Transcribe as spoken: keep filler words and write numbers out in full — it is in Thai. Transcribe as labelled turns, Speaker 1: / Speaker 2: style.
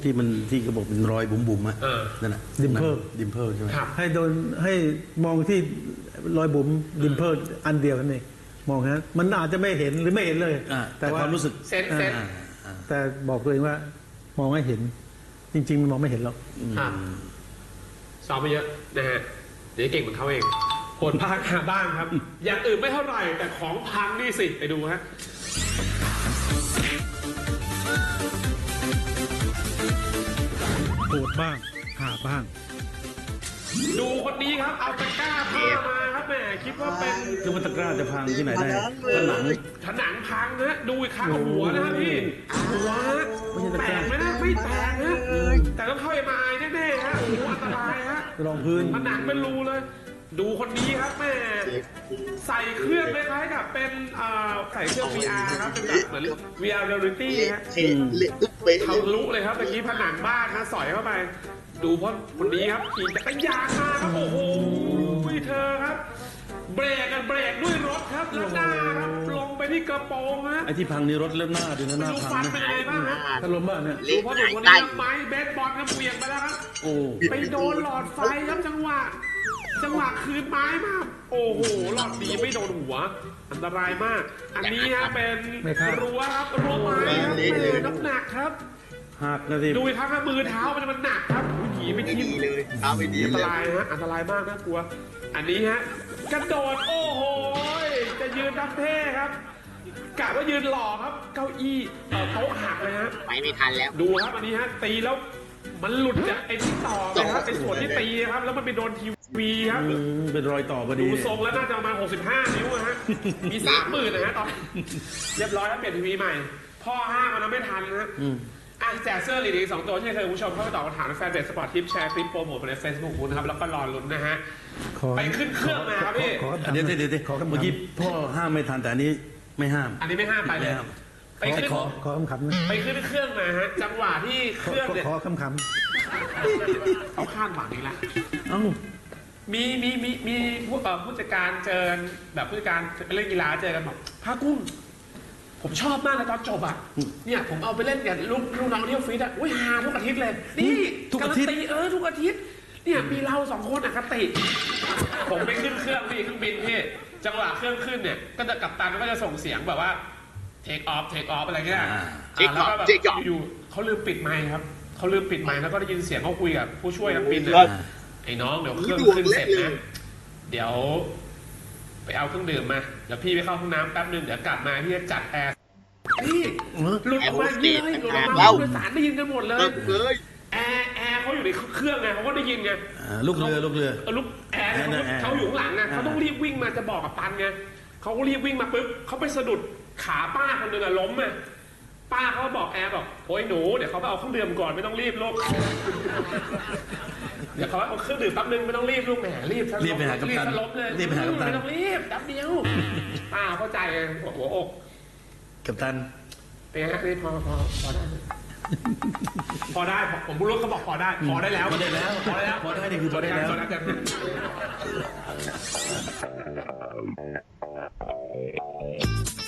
Speaker 1: ที่มันที่กระบอกเป็นรอยบุ๋มๆอ่ะนั่นแหละ
Speaker 2: ดิมเพิล
Speaker 1: ดิมเพิลใช่ไหม
Speaker 2: ให้โดนให้มองที่รอยบุ๋มดิมเพิลอันเดียวกันเองมองฮะมันอาจจะไม่เห็นหรือไม่เห็นเลย
Speaker 1: แต่ความรู้สึก
Speaker 3: เซนเซน
Speaker 2: แต่บอกตัวเองว่ามองให้เห็นจริงๆมันมองไม่เห็นหรอก
Speaker 3: ซ้อมไปเยอะนะฮะเดี๋ยวเก่งเหมือนเขาเองผลพังหาบ้างครับอย่างอื่นไม่เท่าไหร่แต่ของพังนี่สิไปดูฮะ
Speaker 2: โหดบ้างหาบ้าง
Speaker 3: ดูคนนี้ครับเอาตะกร้าผ้ามาครับแหมคิดว่าเป็น
Speaker 1: คือมันตะกร้าจะพังที่ไหนได้ผนัง
Speaker 3: ผนังพังนะดูอีกครั้งหัวนะพี่หัวแตกไหมนะไม่แตกนะแต่ต้องเข้าเอ็มไอแน่ๆฮะหัวอันตรายฮะ
Speaker 2: รองพื้น
Speaker 3: ผนังเป็นรูเลยดูคนนี้ครับแม่ใส่เครื่องคล้ายๆกับเป็นใส่เครื่อง วี อาร์ ครับเป็นแบบเหมือน วี อาร์ Reality ฮะทะลุเลยครับเมื่อกี้ผนังบ้านนะสอยเข้าไปดูเพราะคนนี้ครับขี่จักรยานมาครับโอ้โหเธอครับเบรกกันเบรกด้วยรถครับแล้วหน้าครับลงไปที่กระโปรงฮะ
Speaker 1: ไอ้ที่พังนี่รถแล้วหน้าดูนะหน้าพัง
Speaker 3: นะเป็นไงบ้างฮะ
Speaker 2: ถล่มบ้างเนี่ย
Speaker 3: ดูเพราะหนุ่มคนนี้ไม้เบสบอลครับเปลี่ยนไปแล้วครับ
Speaker 1: โอ้
Speaker 3: ไปโดนหลอดไฟครับจังหวะจังหวะคืนไม้มากโอ้โหหลอดดีไม่โดนหัวอันตรายมากอันนี้ฮะเป็นรั้วครับรั้วไม้ครับน้ำหนักครับ
Speaker 1: หักนะสิ
Speaker 3: ดูทั้งมือเท้ามันมันหนักครับผีไม่ทิ่ม
Speaker 4: เลยเท้าไม่ดี
Speaker 3: อันตรายฮะอันตรายมากน่ากลัวอันนี้ฮะกระโดดโอ้โหจะยืนดับเท่ครับกะว่ายืนหล่อครับเก้าอี้โต๊ะหักเลยฮะ
Speaker 4: ไปไม่ทันแล้ว
Speaker 3: ดูครับอันนี้ฮะตีแล้วมันหลุดจากไอ้ที่ต่อเลยครับไอ้ส่วนที่ตีครับแล้วมันไปโดนทีวีครับ
Speaker 1: เป็นรอยต่อพอดี
Speaker 3: ดูทรงแล้วน่าจะประมาณหกสิบห้านิ้วฮะมีสามหมื่นนะฮะตอนเรียบร้อยแล้วเปลี่ยนทีวีใหม่พ่อห้างมันไม่ทันนะอ่ะแจกเสื้อลีดอีกสองตัวที่เคยคุณผู้ชมเข้าไปตอบคำถามในแฟนเพจสปอร์ตทิปแชร์คลิปโปรโมทในเฟซบุ๊กคุณนะครับแล้วก็รอลุ้นนะฮะไปขึ้นเครื่องมาครับพี่
Speaker 1: เดี๋ยวเดี๋ยวเดี๋ยวเมื่อกี้พ่อห้ามไม่ทันแต่อันนี้ไม่ห้าม
Speaker 3: อันนี้ไม่ห้ามไปเลย
Speaker 2: ไปขึ้นขอขอคำคำ
Speaker 3: ไปขึ้นเครื่องมาฮะจังหวะที่เครื่องเนี่ย
Speaker 2: ขอคำค
Speaker 3: ำเขาข้างหวังนี่แหละ
Speaker 1: เอ้า
Speaker 3: มีมีมีมีผู้ผู้จัดการเจอแบบผู้จัดการไปเล่นกีฬาเจอกันบอกพากุ้งผมชอบมากเลยตอนจบอ่ะเนี่ยผมเอาไปเล่นกับลูกลูกน้องที่ออฟฟิศอ่ะอุ้ยฮาทุกอาทิตย์เลยนี่
Speaker 1: ทุกอาทิตย์
Speaker 3: เออทุกอาทิตย์เนี่ยมีเราสองคนอ่ะคติผมไปขึ้นเครื่องพี่เครื่องบินพี่จังหวะเครื่องขึ้นเนี่ยก็จะกัปตันก็จะส่งเสียงแบบว่าเทคออฟเทคออฟอะไรเงี้ยแล้วก็แบบอยู่เขาลืมปิดไมค์ครับเขาลืมปิดไมค์แล้วก็ได้ยินเสียงเขาคุยกับผู้ช่วยนักบินอ่ะไอ้น้องเดี๋ยวเครื่องขึ้นเสร็จนะเดี๋ยวไปเอาเครื่องดื่มมาเดี๋ยวพี่ไปเข้าห้องน้ำแป๊บนึงเดี๋ยวกลับมาพี่จะจัดแอร์นี่หลุดออกมาเยอะเลยหลุดออกมาผู้โดยสารได้ยินกันหมดเลยแอร์แอร์เขาอยู่ในเครื่องไงเขาก็ได้ยินไง
Speaker 1: ลูกเรือลูกเรือ
Speaker 3: ลูกแอร์เขาอยู่ข้างหลังไงเขาต้องรีบวิ่งมาจะบอกกับปันไงเขาก็รีบวิ่งมาปุ๊บเขาไปสะดุดขาป้าคนหนึ่งอะล้มอะป้าเขาบอกแอร์บอกโอ้ยหนูเดี๋ยวเขาไปเอาเครื่องดื่มก่อนไม่ต้องรีบลูกเดี๋ยวเขาเอาเครื่องดื่มแป๊บนึงไม่ต้องรีบลูกแหมรีบ
Speaker 1: รีบไปหากัปตัน
Speaker 3: ล้มเลย
Speaker 1: รีบไปหากัปตัน
Speaker 3: ไม่ต้องรีบแป๊บเดียวป้าเข้าใจหัวอก
Speaker 1: กัปตัน
Speaker 3: เป็นไงนี่พอพอพอได้พอได้ผมพูดรู้เขาบอกพอได้พอได้แล้ว
Speaker 1: พอได้แล้ว
Speaker 3: พอได้แล้ว
Speaker 1: พอได้นี่คือพอได้แล้ว